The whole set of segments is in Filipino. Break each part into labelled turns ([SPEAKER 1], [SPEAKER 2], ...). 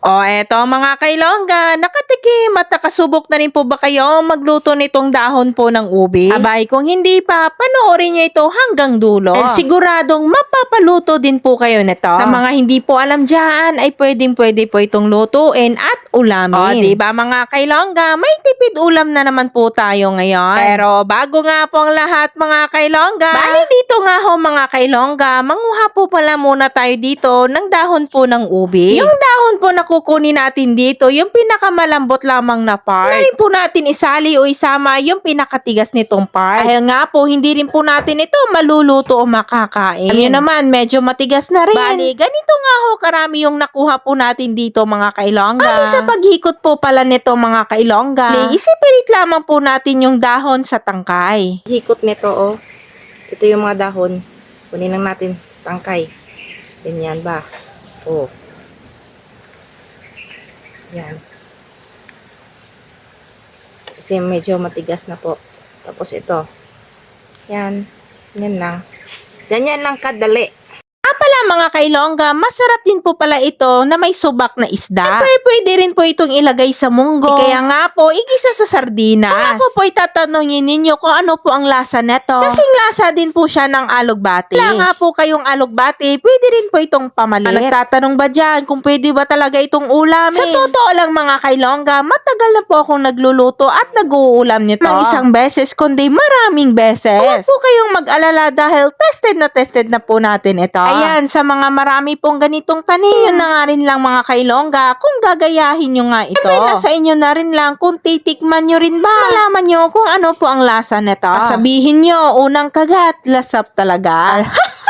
[SPEAKER 1] O eto mga kailongga, nakatikim at nakasubok na rin po ba kayo magluto nitong dahon po ng ubi? Abay, kung hindi pa, panoorin nyo ito hanggang dulo. At siguradong mapapaluto din po kayo nito. Sa mga hindi po alam dyan, ay pwede po itong lutuin at ulamin. O diba mga kailongga, may tipid ulam na naman po tayo ngayon. Pero bago nga po ang lahat mga kailongga, bali dito nga ho mga kailongga, manguha po pala muna tayo dito ng dahon po ng ubi. Yung dahon po na kukunin natin dito, yung pinakamalambot lamang na part. Na rin po natin isali o isama yung pinakatigas nitong part. Dahil nga po, hindi rin po natin ito maluluto o makakain. Alam nyo naman, medyo matigas na rin. Bali, ganito nga ho karami yung nakuha po natin dito mga kailongga. Bali, sa paghikot po pala nito mga kailongga, isipirit lamang po natin yung dahon sa tangkay.
[SPEAKER 2] Hikot nito, oh. Ito yung mga dahon. Kunin lang natin sa tangkay. Ganyan ba? Oh. Yan. Kasi medyo matigas na po. Tapos ito. Yan. Yan lang. Ganyan lang kadali.
[SPEAKER 1] Pala mga kailongga, masarap din po pala ito na may subak na isda. Siyempre, pwede rin po itong ilagay sa munggo. Kaya nga po, igisa sa sardinas. Kung ako po itatanungin ninyo kung ano po ang lasa neto. Kasing lasa din po siya ng alugbati. Wala nga po kayong alugbati, pwede rin po itong pamalit. Nagtatanong ba dyan kung pwede ba talaga itong ulamin? Sa totoo lang mga kailongga, matagal na po akong nagluluto at nag-uulam nito. Mang isang beses, kundi maraming beses. Huwag po kayong mag-alala dahil tested na po natin ito. Ayan, sa mga marami pong ganitong tanim, yun na nga rin lang mga kailongga, kung gagayahin nyo nga ito. Siyempre, nasa inyo na rin lang kung titikman nyo rin ba. Malaman nyo kung ano po ang lasa nito. Sabihin nyo, unang kagat, lasap talaga.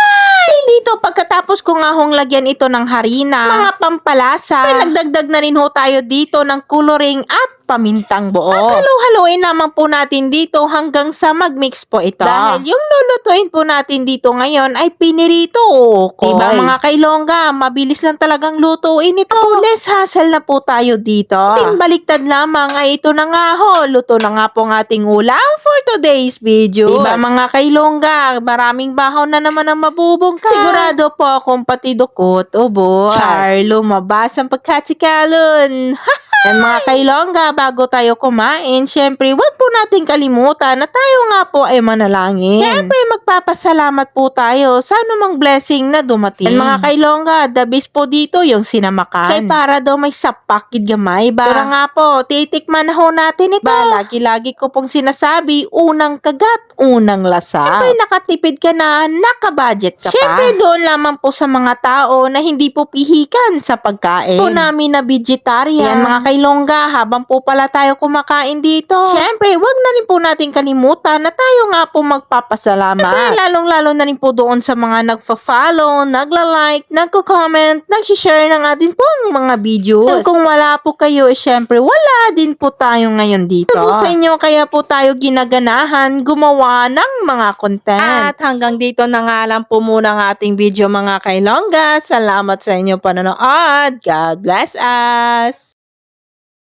[SPEAKER 1] Dito, pagkatapos ko nga hong lagyan ito ng harina, mga pampalasa, ay nagdagdag na rin ho tayo dito ng coloring at pamintang buo. At halu-haluin naman po natin dito hanggang sa mag-mix po ito. Dahil yung lulutuin po natin dito ngayon ay pinirito o ukoy. Diba mga kailongga, mabilis lang talagang lutuin ito. Less hassle na po tayo dito. Ting baliktad lamang ay ito na nga ho. Luto na nga po ang ating ulam for today's video. Diba mga kailongga, maraming bahaw na naman ang mabubungka. Sigurado po akong pati dukot, ubo, char, lumabas ang pagkatsikalon. Yan mga kailongga, bago tayo kumain, syempre, wag po natin kalimutan na tayo nga po ay manalangin. Syempre, magpapasalamat po tayo sa anumang blessing na dumating. Yan mga kailongga, the best po dito yung sinamakan. Kaya para daw may sapakid gamay ba? Pero nga po, titikman na ho natin ito. Ba, lagi-lagi ko pong sinasabi, unang kagat, unang lasa. Syempre, nakatipid ka na, nakabudget ka pa. Syempre, doon lamang po sa mga tao na hindi po pihikan sa pagkain. Po namin na vegetarian. Yan mga kailongga, habang po pala tayo kumakain dito. Siyempre, wag na rin po natin kalimutan na tayo nga po magpapasalamat. Siyempre, lalong-lalo na rin po doon sa mga nagfa-follow, nagla-like, nagko-comment, nag-share ng atin pong mga videos. At kung wala po kayo, siyempre, wala din po tayo ngayon dito. Ito po sa inyo, kaya po tayo ginaganahan gumawa ng mga content. At hanggang dito na nga lang po muna ang ating video mga kailongga. Salamat sa inyo panonood. God bless us!